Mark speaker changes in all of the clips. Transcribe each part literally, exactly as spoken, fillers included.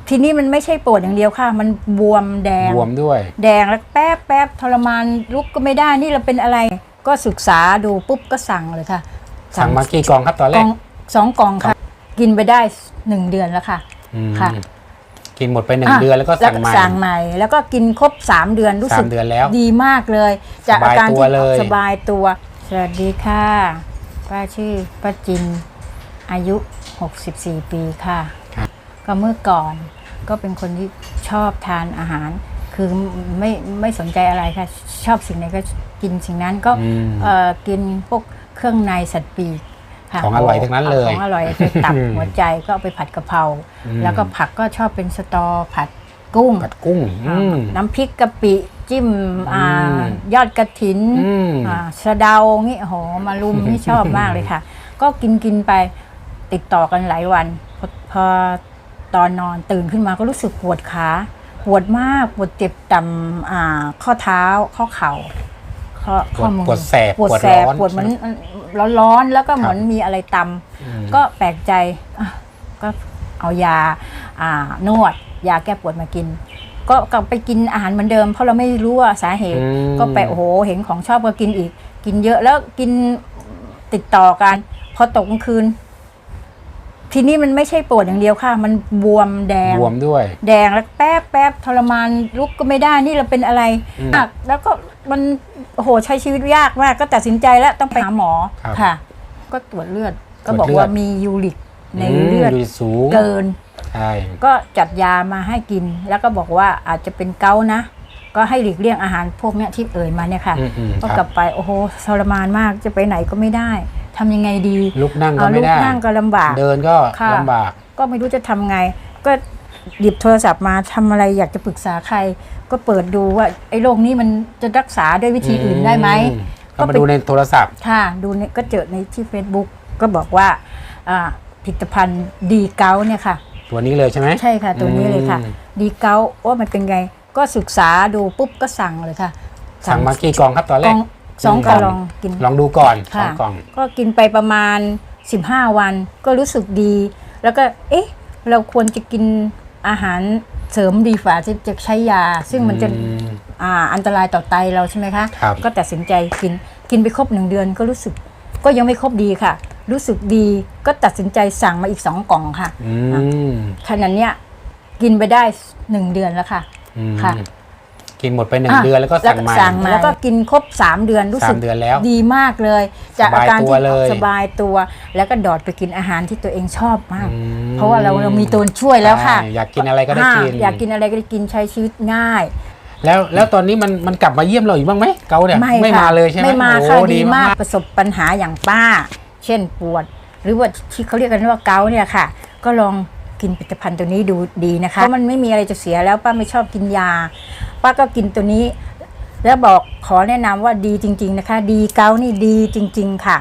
Speaker 1: ทีนี้มันไม่ใช่ปวดอย่างเดียวค่ะมันบวมแดง
Speaker 2: บวมด้วย
Speaker 1: แดงแล้วแป๊บแป๊บทรมานลุกก็ไม่ได้นี่เราเป็นอะไรก็ศึกษาดูปุ๊บก็สั่งเลยค่ะ
Speaker 2: สั่งมากี่กล่องครับตอนแรก
Speaker 1: สองกล่องค่ะกินไปได้หนึ่งเดือนแล้วค่ะค่ะ
Speaker 2: กินหมดไปหนึ่งเดือนแล้วก็สั่งใหม่
Speaker 1: สั่งใหม่แล้วก็กินครบสามเดือนรู้สึกดีมากเลยจากอาการที่สบายตัวสวัสดีค่ะป้าชื่อป้าจินอายุหกสิบสี่ปีค่ะก็เมื่อก่อนก็เป็นคนที่ชอบทานอาหารคือไม่ไม่สนใจอะไรค่ะชอบสิ่งไหนก็กินสิ่งนั้นก็กินพวกเครื่องในสัตว์ปีก
Speaker 2: ของอร่อยทั้งนั้นเลย
Speaker 1: ของอร่อยไปตับหัวใจก็เอาไปผัดกะเพราแล้วก็ผักก็ชอบเป็นสตอผัดกุ้ง
Speaker 2: ผัดกุ้ง
Speaker 1: น้ำพริกกะปิจิ้มยอดกระถินสะเดางี้โหมารุมนี่ชอบมากเลยค่ะก็กินกินไปติดต่อกันหลายวันพอตอนนอนตื่นขึ้นมาก็รู้สึกปวดขาปวดมากปวดเจ็บต่ำข้อเท้าข้อเข่า
Speaker 2: ข้อมือปวดแสบ
Speaker 1: ปวดแสบปวดเหมือนร้อนๆแล้วก็เหมือนมีอะไรตำก็แปลกใจก็เอายานวดยาแก้ปวดมากินก็กลับไปกินอาหารเหมือนเดิมเพราะเราไม่รู้ว่าสาเหตุก็ไปโอ้โหเห็นของชอบก็กินอีกกินเยอะแล้วกินติดต่อกันพอตกกลางคืนทีนี้มันไม่ใช่ปวดอย่างเดียวค่ะมันบวมแดง
Speaker 2: บวมด้วย
Speaker 1: แดงแล้วแป๊บแป๊บทรมานลุกก็ไม่ได้นี่เราเป็นอะไรแล้วก็มันโอ้โหใช้ชีวิตยากมากก็ตัดสินใจแล้วต้องไปหาหมอค่ะก็ตรวจเลือดก็บอกว่ามียูริกในเลือดเกินก็จัดยามาให้กินแล้วก็บอกว่าอาจจะเป็นเกาต์นะก็ให้หลีกเลี่ยงอาหารพวกนี้ที่เอ่ยมาเนี่ยค่ะก็กลับไปโอ้โหทรมานมากจะไปไหนก็ไม่ได้ทำยังไงดี
Speaker 2: ลุกนั่งก็ไม่ได้
Speaker 1: ลุกนั่งก็ลำบาก
Speaker 2: เดินก็ลำบาก
Speaker 1: ก็ไม่รู้จะทำไงก็หยิบโทรศัพท์มาทำอะไรอยากจะปรึกษาใครก็เปิดดูว่าไอ้โรคนี้มันจะรักษาด้วยวิธีอื่นได้ไหม
Speaker 2: ก็มาดูในโทรศัพท์
Speaker 1: ค่ะดูเนี่ยก็เจอในที่ Facebook ก็บอกว่าผลิตภัณฑ์ดีเกาเนี่ยค่ะ
Speaker 2: ตัวนี้เลยใช่ไหม
Speaker 1: ใช่ค่ะตัวนี้เลยค่ะดีเกาว่ามันเป็นไงก็ศึกษาดูปุ๊บก็สั่งเลยค่ะ
Speaker 2: สั่งมากี่กล่องครับตอนแรก
Speaker 1: สองกล่องกิน
Speaker 2: ลองดูก่อนสองกล่อง
Speaker 1: ก็กินไปประมาณสิบห้าวันก็รู้สึกดีแล้วก็เอ๊ะเราควรจะกินอาหารเสริมดีฝ่าที่จะใช้ยาซึ่งมันจะอ่าอันตรายต่อไตเราใช่ไหมคะก็ตัดสินใจกินกินไปครบหนึ่งเดือนก็รู้สึกก็ยังไม่ครบดีค่ะรู้สึกดีก็ตัดสินใจสั่งมาอีกสองกล่องค่ะขนาดเนี้ยกินไปได้หนึ่งเดือนแล้วค่ะค่ะ
Speaker 2: กินหมดไปหนึ่งเดือนแล้วก็สั่งใหม่
Speaker 1: แล้วก็กินครบสามเดือนรู้สึกดีมากเลยจากอาการที่สบายตัวแล้วก็ดอดไปกินอาหารที่ตัวเองชอบมากเพราะว่าเราเรามีตัวช่วยแล้วค่ะ
Speaker 2: อยากกินอะไรก็ได้กิน
Speaker 1: อยากกินอะไรก็ได้กินใช้ชีวิตง่าย
Speaker 2: แล้วแล้วตอนนี้มันมันกลับมาเยี่ยมเราอีกบ้างไหมเกาเนี่ยไม่มาเลยใช่ไหม
Speaker 1: ไม่มาค่ะดีมากประสบปัญหาอย่างป้าเช่นปวดหรือว่าที่เขาเรียกกันว่าเกาเนี่ยค่ะก็ลองกินผลิตภัณฑ์ตัวนี้ดูดีนะคะเพราะมันไม่มีอะไรจะเสียแล้วป้าไม่ชอบกินยาป้าก็กินตัวนี้แล้วบอกขอแนะนำว่าดีจริงๆนะคะดีเกานี่ดีจริงๆค่ะ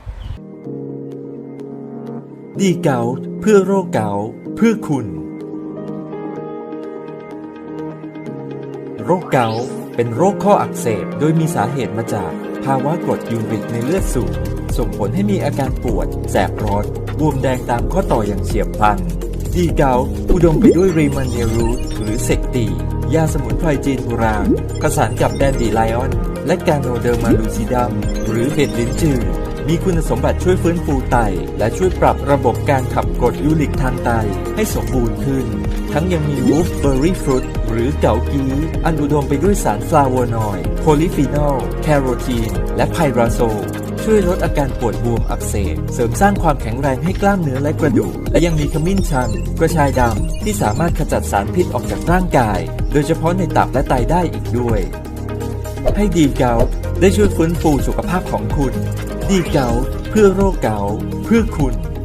Speaker 3: ดีเกาเพื่อโรคเกาเพื่อคุณโรคเกาต์เป็นโรคข้ออักเสบโดยมีสาเหตุมาจากภาวะกรดยูริกในเลือดสูงส่งผลให้มีอาการปวดแสบร้อนบวมแดงตามข้อต่ออย่างเฉียบพลันดีเกาต์อุดมไปด้วยรีมันเนียรูทหรือเซกตียาสมุนไพรจีนโบราณผสานกับแดนดีไลออนและกาโนเดอร์มาลูซิดัมหรือเห็ดลิ้นจือมีคุณสมบัติช่วยฟื้นฟูไตและช่วยปรับระบบการขับกรดยูริกทางไตให้สมบูรณ์ขึ้นทั้งยังมีวูฟเบอร์รี่ฟรุตหรือเกากีอันอุดมไปด้วยสารฟลาโวนอยด์โพลีฟีนอลแคโรทีนและไพราโซลช่วยลดอาการปวดบวมอักเสบเสริมสร้างความแข็งแรงให้กล้ามเนื้อและกระดูกและยังมีขมิ้นชันกระชายดำที่สามารถขจัดสารพิษออกจากร่างกายโดยเฉพาะในตับและไตได้อีกด้วยให้ดีเกาต์ได้ช่วยฟื้นฟูสุขภาพของคุณดีเกาต์เพื่อโรคเกาต์เพื่อคุณ